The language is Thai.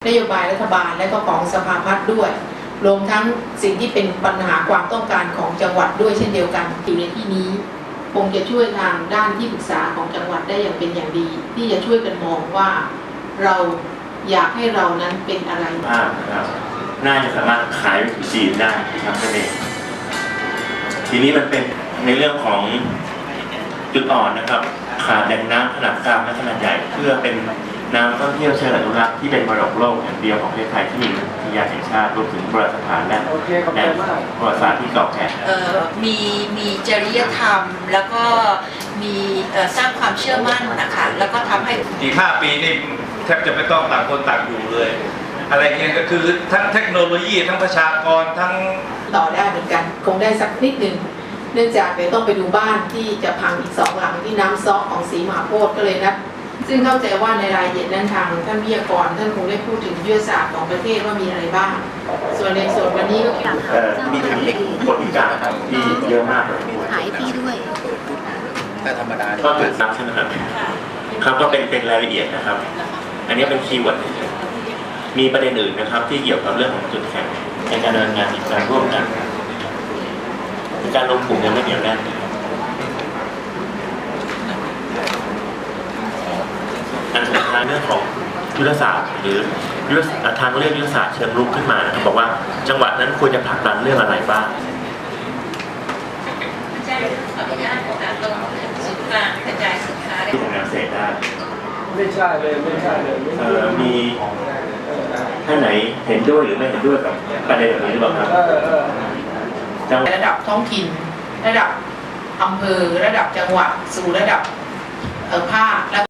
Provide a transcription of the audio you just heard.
นโยบายรัฐบาลและก็ของสภาพัฒน์ด้วยรวมทั้งสิ่งที่เป็นปัญหาความต้องการของจังหวัดด้วยเช่นเดียวกันอยู่ในที่นี้คงจะช่วยทางด้านที่ปรึกษาของจังหวัดได้อย่างเป็นอย่างดี ที่จะช่วยกันมองว่าเราอยากให้เรานั้นเป็นอะไรนะครับน่าจะสามารถขายไปถึงจีนได้ครับนั่นเองทีนี้มันเป็นในเรื่องของจุดอ่อนนะครับขาดแหล่งน้ำขนาดกลางและขนาดใหญ่เพื่อเป็นน้ำท่องเที่ยวเชิงอนุรักษ์ที่เป็นมรดกโลกแห่งเดียวของประเทศไทยที่มีอุทยานแห่งชาติรวมถึงโบราณสถานและประวัติศาสตร์ที่เก่าแก่มีจริยธรรมแล้วก็มีสร้างความเชื่อมั่นนะคะแล้วก็ทำให้อีก5 ปีนี่แทบจะไม่ต้องต่างคนต่างอยู่เลยอะไรเงี้ยก็คือทั้งเทคโนโลยีทั้งประชากรทั้งต่อได้เหมือนกันคงได้สักนิดหนึ่งเนื่องจากเดี๋ยวต้องไปดูบ้านที่จะพังอีก2 หลังที่น้ำซ้อของศรีมหาโพธิ์ก็เลยนะซึ่งเข้าใจว่าในรายละเอียดนั้นทางท่านวิทยากรท่านคงได้พูดถึงยุทธศาสตร์ของประเทศว่ามีอะไรบ้างส่วนในส่วนวันนี้ก็มีทางเด็กคนพิการที่เยอะมากเลยหายพี่ด้วยแต่ธรรมดาก็ถูกนับใช่ไหมครับครับก็เป็นรายละเอียดนะครับอันนี้เป็นคีย์เวิร์ดมีประเด็นอื่นนะครับที่เกี่ยวกับเรื่องของจุดแข็งในการดำเนินงานอีกการร่วมกันการลงกลุ่มยังไม่เหนียวแน่นอันสุดท้ายเรื่องของยุทธศาสตร์หรือทางเลือกยุทธศาสตร์เชิงรุกขึ้นมานะครับบอกว่าจังหวัดนั้นควรจะผลักดันเรื่องอะไรบ้างที่ทำงานเสร็จได้ไม่ใช่เลยมีท่านไหนเห็นด้วยหรือไม่เห็นด้วยกับประเด็นแบบนี้หรือเปล่าครับระดับท้องถิ่นระดับอำเภอระดับจังหวัดสู่ระดับภาคและ